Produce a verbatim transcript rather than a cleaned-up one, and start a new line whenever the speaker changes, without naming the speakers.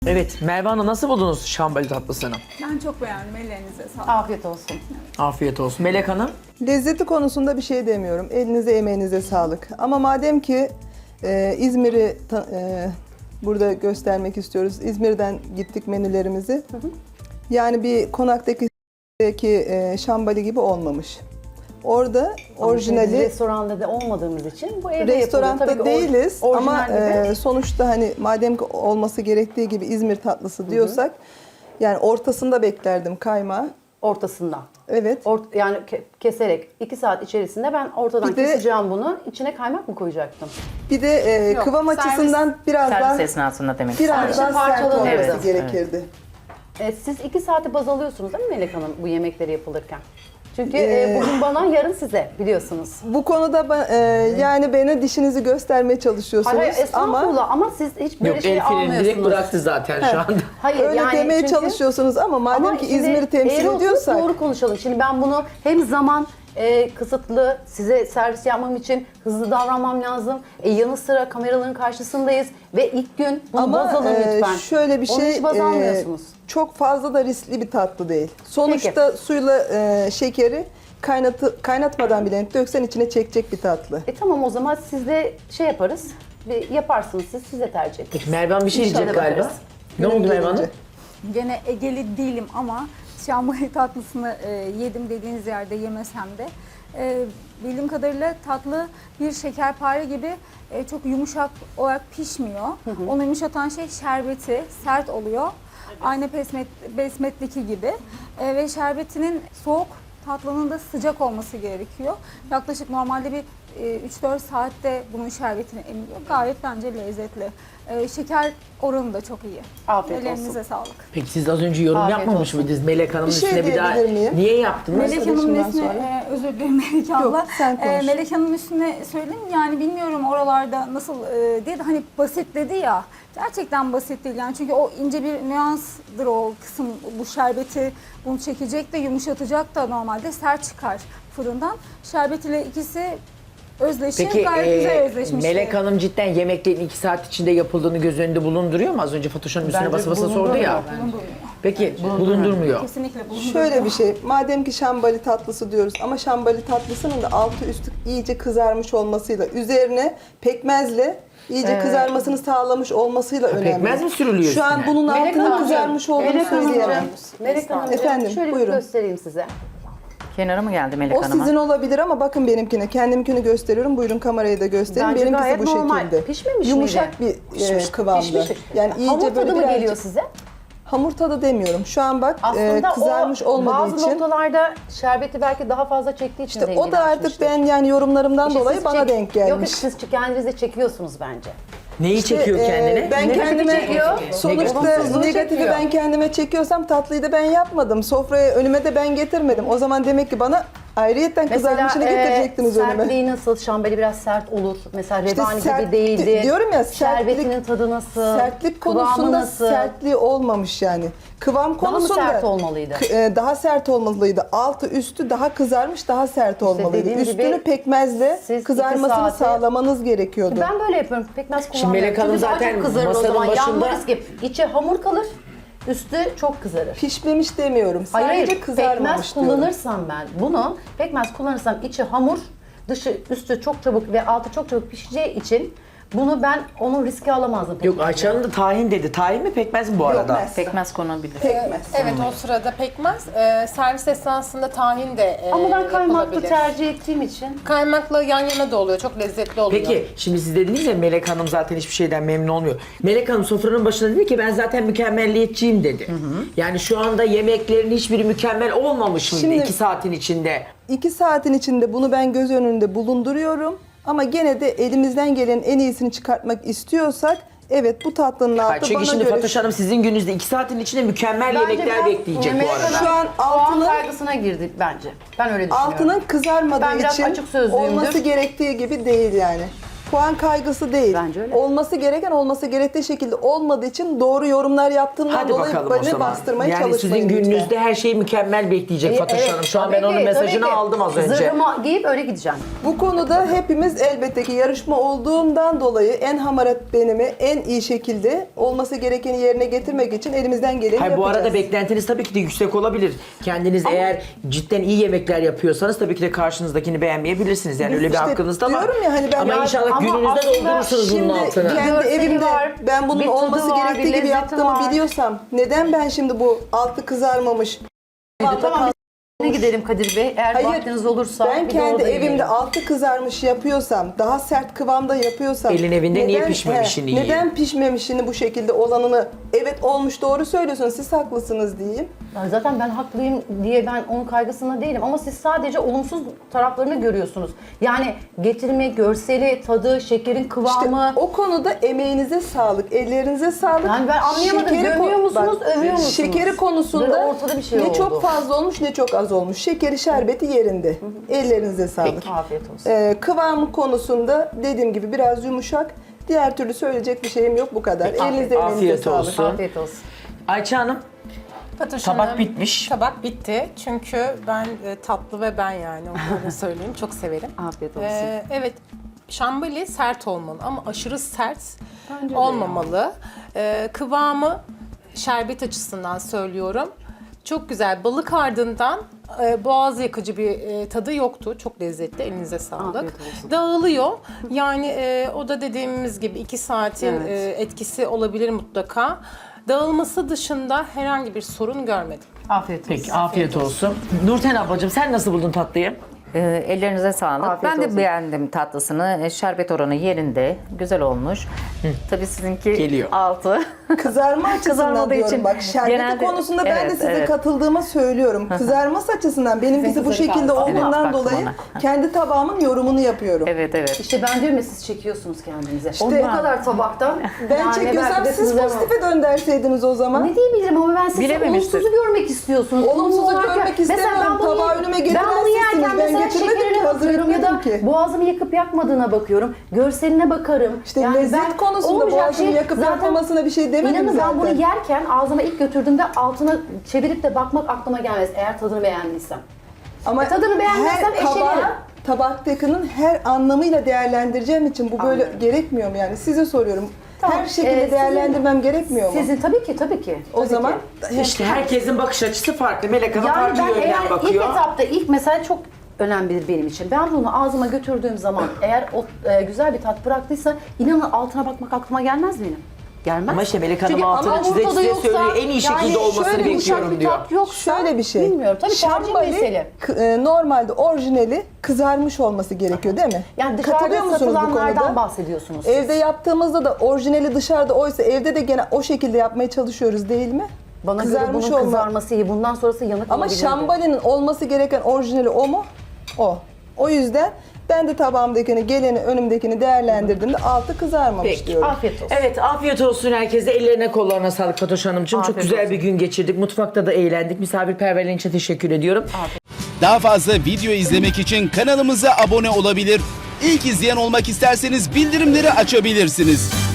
Evet, Merve Hanım nasıl buldunuz şambali tatlısını?
Ben çok beğendim. Ellerinize sağlık.
Afiyet olsun.
Afiyet olsun. Melek Hanım?
Lezzeti konusunda bir şey demiyorum. Elinize emeğinize sağlık. Ama madem ki e, İzmir'i ta- e, burada göstermek istiyoruz. İzmir'den gittik menülerimizi. Hı hı. Yani bir konaktaki e, şambali gibi olmamış. Orada orijinali...
Biz restoranda da olmadığımız için bu evde
Restoranda
yapılıyor. Tabii ki
değiliz
or-
ama
orijinal gibi.
e, sonuçta hani madem ki olması gerektiği gibi İzmir tatlısı diyorsak, yani ortasında beklerdim kaymağı.
Ortasından.
Evet.
Ort- yani ke- keserek iki saat içerisinde ben ortadan
Bir de-
keseceğim bunu. İçine kaymak mı koyacaktım?
Bir de e,
Yok,
kıvam
servis-
açısından biraz daha
Servis esnasında demek
biraz
istedim.
daha sert
parçalanıyor.
olması
Evet,
gerekirdi.
E, siz iki saati baz alıyorsunuz değil mi Melek Hanım bu yemekleri yapılırken? Çünkü
Ee,
e, bugün bana yarın size biliyorsunuz.
Bu konuda ba- e, yani bana dişinizi göstermeye çalışıyorsunuz
Hayır, hayır
ama
estağfurullah ama siz hiç böyle
Yok,
şey
el freni
almıyorsunuz.
direkt bıraktı zaten şu anda.
Hayır,
öyle
yani
demeye
çünkü-
çalışıyorsunuz ama madem
Ama
ki
şimdi
İzmir'i temsil
eğri oturup
ediyorsak
doğru konuşalım. Şimdi ben bunu hem zaman e, kısıtlı, size servis yapmam için hızlı davranmam lazım. E, yanı sıra kameraların karşısındayız ve ilk gün bunu
ama
baz alın
e,
lütfen.
şöyle bir
Onu
şey
hiç baz
e,
almıyorsunuz.
çok fazla da riskli bir tatlı değil. Sonuçta suyla e, şekeri kaynatı, kaynatmadan bile döksen içine çekecek bir tatlı.
E tamam o zaman siz de şey yaparız. Bir yaparsınız siz, siz de tercih edin.
Peki Merve Hanım bir şey diyecek
İnşallah
galiba.
bakarız.
Ne oldu Merve Hanım?
Gelince.
Gene Egeli değilim ama şambali tatlısını e, yedim dediğiniz yerde yemesem de e, bildiğim kadarıyla tatlı bir şekerpare gibi e, çok yumuşak olarak pişmiyor. Onu yumuşatan şey şerbeti, sert oluyor. Aynı pesmet, besmetteki gibi E, ve şerbetinin soğuk, tatlının da sıcak olması gerekiyor. Yaklaşık normalde bir e, üç dört saatte bunun şerbetini emiliyor. Gayet bence lezzetli. E, şeker oranı da çok iyi.
Afiyet
Ellerinize
olsun.
sağlık.
Peki siz az önce yorum
Afiyet
yapmamış
olsun.
mıydınız Melek Hanım'ın
Bir şey
üstüne bir daha?
diyebilir miyim?
Niye yaptınız?
Melek Hanım'ın
Arkadaşımdan
üstüne,
sonra.
e, özür dilerim Melek abla.
sen konuş.
E, Melek Hanım'ın üstüne söyleyeyim yani bilmiyorum oralarda nasıl e, diye de hani basit dedi ya. Gerçekten basit değil yani çünkü o ince bir nüanstır o kısım, bu şerbeti bunu çekecek de yumuşatacak da normalde sert çıkar fırından. Şerbet ile ikisi özleşir,
Peki
gayet
e,
güzel özleşmiş.
Melek Hanım cidden yemeklerin iki saat içinde yapıldığını göz önünde bulunduruyor mu? Az önce Fatoş Hanım üstüne
Bence
basa basa sordu ya.
Bulundurmuyor.
Peki bulundurmuyor.
Kesinlikle bulundurmuyor.
Şöyle bir şey, madem ki şambali tatlısı diyoruz ama şambali tatlısının da altı üstü iyice kızarmış olmasıyla, üzerine pekmezle iyice
Ee,
kızarmasını sağlamış olmasıyla önemli.
pekmez mi sürülüyor
Şu an
üstüne?
bunun
Melek
altının
Hanımcığım,
kızarmış olduğunu
Melek
söyleyemem.
Hanımcığım, Melek Hanımcığım,
Efendim,
şöyle
buyurun.
göstereyim size.
Kenara mı geldi Melek
O
Hanım'a?
sizin olabilir ama bakın benimkine. Kendimkini gösteriyorum. Buyurun kamerayı da gösterin.
Bence
Benimkisi
gayet
bu
normal.
şekilde.
Pişmemiş
Yumuşak
miydi?
bir e, kıvamda.
Pişmiş.
Yani iyice
Hamur
böyle
tadı mı
birazcık-
geliyor size?
Hamur tadı demiyorum. Şu an bak e,
Aslında
kızarmış
o
olmadığı
bazı
için.
noktalarda şerbeti belki daha fazla çektiği için
İşte o da artık
zenginleşmiştir.
ben yani yorumlarımdan
İşte
dolayı
siz
bana
çek-
denk
Yok
gelmiş.
siz kendinize çekiyorsunuz bence.
Neyi
İşte,
çekiyor
e,
kendine?
Ben
Negatifi
kendime
çekiyor.
sonuçta
Olumsuzluğu
negatifi
çekiyor.
ben kendime çekiyorsam tatlıyı da ben yapmadım. Sofraya önüme de ben getirmedim. O zaman demek ki bana ayrıyetten kızarmışını
e,
getirecektiniz önüme.
sertliği nasıl? Şambali biraz sert olur. Mesela
İşte
revani
sert-
gibi değildi.
diyorum ya, sertlik-
Şerbetinin tadı nasıl?
Sertlik
kıvamı
konusunda
nasıl?
sertliği olmamış yani. Kıvam
Daha mı
konusunda
sert olmalıydı?
k- e, daha sert olmalıydı. Altı üstü daha kızarmış, daha sert olmalıydı.
dediğim gibi
Üstünü pekmezle
siz iki
kızarmasını
saati-
sağlamanız gerekiyordu.
Ben böyle yapıyorum. Pekmez
Şimdi
kullanmıyorum.
Melek Hanım
Çünkü daha
zaten
çok kızarır o
masanın
zaman.
başında-
Yanma riski. İçi hamur kalır. Üstü çok kızarır.
Pişmemiş demiyorum.
Hayır,
Sadece
hayır.
kızarmamış
Pekmez
diyorum.
kullanırsam ben bunu, pekmez kullanırsam içi hamur, dışı üstü çok çabuk ve altı çok çabuk pişeceği için bunu ben onun riski alamazdım.
Yok Ayça Hanım da tahin dedi. Tahin mi pekmez mi bu arada?
Pekmez.
Pekmez konabilir.
Pekmez.
Evet o sırada pekmez. Ee, servis esnasında tahin de e,
Ama ben kaymaklı
yapılabilir.
tercih ettiğim için.
Kaymakla yan yana da oluyor. Çok lezzetli oluyor.
Peki şimdi siz dediniz ya Melek Hanım zaten hiçbir şeyden memnun olmuyor. Melek Hanım sofranın başında dedi ki ben zaten mükemmelliyetçiyim dedi. Yani şu anda yemeklerin hiçbiri mükemmel olmamış mıydı
Şimdi-
iki saatin içinde?
İki saatin içinde bunu ben göz önünde bulunduruyorum. Ama gene de elimizden gelen en iyisini çıkartmak istiyorsak evet bu tatlının altı
Hayır, çünkü
bana
şimdi
göre...
Fatoş Hanım sizin gününüzde iki saatin içinde mükemmel
Bence
yemekler
biraz
bekleyecek bu
yemeğe
arada.
kadar
Şu an
puan
altının-
kaygısına girdik bence. Ben öyle düşünüyorum.
Altının kızarmadığı
Ben biraz
için
açık sözlüyümdür.
olması gerektiği gibi değil yani. Puan kaygısı değil.
Bence öyle.
Olması gereken olması gerektiği şekilde olmadığı için doğru yorumlar yaptığımdan
Hadi
dolayı
bakalım o
beni
zaman.
bastırmaya
Yani
çalışmayın
sizin gününüzde
lütfen.
her şey mükemmel bekleyecek Fatoş
Evet,
Hanım. Şu an ben
tabii
onun
ki,
mesajını
tabii ki.
aldım az önce.
Zırhımı giyip öyle gideceğim.
Bu konuda hepimiz elbette ki yarışma olduğundan dolayı en hamarat benimi en iyi şekilde olması gerekeni yerine getirmek için elimizden geleni
Hayır, bu
yapacağız.
arada beklentiniz tabii ki de yüksek olabilir. Kendiniz eğer cidden iyi yemekler yapıyorsanız tabii ki de karşınızdakini beğenmeyebilirsiniz. Yani öyle bir
İşte
hakkınız da var.
diyorum ya hani ben-
Ama
Ya
inşallah
ama
gününüzde
aslında
doldurursunuz bunun
Şimdi
altını.
kendi
Görseli
evimde
var,
ben bunun
bir tadı
olması
var,
gerektiği
bir
gibi
lezzeti
yaptığımı
var.
biliyorsam neden ben şimdi bu altı kızarmamış
Tamam biz ne gidelim Kadir Bey. Eğer
Hayır,
vaktiniz olursa
ben
bir de
kendi
orada
evimde
yiyelim.
altı kızarmış yapıyorsam, daha sert kıvamda yapıyorsam...
Elin evinde niye pişmemişini
he,
yiyeyim?
Neden pişmemişini bu şekilde olanını, evet olmuş doğru söylüyorsunuz, siz haklısınız diyeyim.
Ya zaten ben haklıyım diye ben onun kaygısında değilim ama siz sadece olumsuz taraflarını görüyorsunuz. Yani getirme, görseli, tadı, şekerin
İşte
kıvamı.
o konuda emeğinize sağlık, ellerinize sağlık.
Yani ben anlayamadım,
Şekeri
gömüyor
ko-
musunuz,
bak,
övüyor musunuz?
Şekeri konusunda
Böyle ortada bir şey
ne
oldu.
çok fazla olmuş ne çok az olmuş. Şekeri şerbeti yerinde. Ellerinize sağlık.
Afiyet olsun.
Ee, kıvamı konusunda dediğim gibi biraz yumuşak. Diğer türlü söyleyecek bir şeyim yok, bu kadar. Elinize emeğinize
Afiyet
sağlık.
olsun.
Afiyet olsun.
Ayça Hanım,
Fatoş
tabak
Hanım,
bitmiş.
Tabak bitti. Çünkü ben e, tatlı ve ben yani onu öyle söyleyeyim. Çok severim.
Afiyet olsun.
Ee, evet, şambali sert olmalı ama aşırı sert olmamalı. Ee, kıvamı şerbet açısından söylüyorum. Çok güzel. Balık ardından e, boğaz yakıcı bir e, tadı yoktu. Çok lezzetli. Elinize sağlık.
Afiyet olsun.
Dağılıyor. Yani e, o da dediğimiz gibi iki saatin
Evet.
e, etkisi olabilir mutlaka. Dağılması dışında herhangi bir sorun görmedim.
Afiyet olsun.
Peki afiyet olsun. Nurten ablacığım sen nasıl buldun tatlıyı?
Ee, ellerinize sağlık.
Afiyet
ben de
olsun.
beğendim tatlısını. E, Şerbet oranı yerinde. Güzel olmuş. Tabii sizinki
Geliyor.
altı.
Kızarma açısından
Kızarmadığı
diyorum
için
bak, şerbeti
genelde-
konusunda ben de
evet,
size
evet.
katıldığımı söylüyorum. Kızarması açısından benimkisi bu
kızarık
şekilde
altı.
olduğundan
Evet, baktım
dolayı
ona.
kendi tabağımın yorumunu yapıyorum.
Evet evet.
İşte ben diyorum ya siz çekiyorsunuz kendinize.
İşte-
o kadar tabaktan.
Ben
yani
çekiyorsam
belki de
siz
size-
pozitife dönderseydiniz o zaman.
Ne diyebilirim ama ben size
Bilememiştir.
olumsuzu görmek istiyorsunuz.
Olumsuzu
Olumlu olarak-
görmek
Mesela
istemiyorum.
ben bunu-
Tabağı önüme getiren
Ben bunu yerken
sizsiniz. Ben
mesela
getirmedim ki,
şekerine
hazır
bakıyorum ya da
etmedim ki.
boğazımı yakıp yakmadığına bakıyorum. Görseline bakarım.
İşte lezzet
ben
konusunda
olmayacak
boğazımı
şey-
yakıp
zaten
yakmamasına bir şey demedim
İnanın
zaten.
ben bunu yerken ağzıma ilk götürdüğümde altına çevirip de bakmak aklıma gelmez eğer tadını beğendiysem.
Ama
E, tadını beğenmezsem
her tabağı,
eşelerim.
tabaktakinin her anlamıyla değerlendireceğim için bu böyle
Anladım.
gerekmiyor mu yani? Size soruyorum.
Tamam,
Her şekilde
e, sizin-
değerlendirmem gerekmiyor mu?
Sizin tabii ki tabii ki.
o
tabii
zaman
ki.
İşte herkesin bakış açısı farklı. Melek Hanım
Yani
farklı
ben
yönden
eğer ilk
bakıyor.
etapta ilk mesela çok önemlidir benim için. Ben bunu ağzıma götürdüğüm zaman eğer o e, güzel bir tat bıraktıysa inanın altına bakmak aklıma gelmez benim. Gelmez.
Ama işte Melek Hanım
Çünkü
altını
ama
çize
ortada
çize
yoksa,
söylüyor. En iyi şekilde
yani
olmasını
şöyle yumuşak
bekliyorum
bir
diyor.
tat yoksa,
Şöyle bir şey.
Bilmiyorum. Tabii tercih
Şambali,
mesele.
k- e, normalde orijinali kızarmış olması gerekiyor değil mi?
Yani dışarıda
Katılıyor musunuz bu
satılanlardan
konuda?
bahsediyorsunuz siz.
Evde yaptığımızda da orijinali dışarıda oysa evde de gene o şekilde yapmaya çalışıyoruz değil mi?
Bana göre bunun
olma-
kızarması iyi. Bundan sonrası yanık
Ama
olabilirdi.
şambalinin olması gereken orijinali o mu? O. O yüzden ben de tabağımdakini, geleni, önümdekini değerlendirdiğimde altı kızarmamış
Peki.
diyorum.
Afiyet olsun.
Evet afiyet olsun herkese. Ellerine kollarına sağlık Fatoş Hanımcığım. Çok
Afiyet
güzel
olsun.
bir gün geçirdik. Mutfakta da eğlendik. Misafirperverliğin için teşekkür ediyorum.
Daha fazla video izlemek için kanalımıza abone olabilir. İlk izleyen olmak isterseniz bildirimleri açabilirsiniz.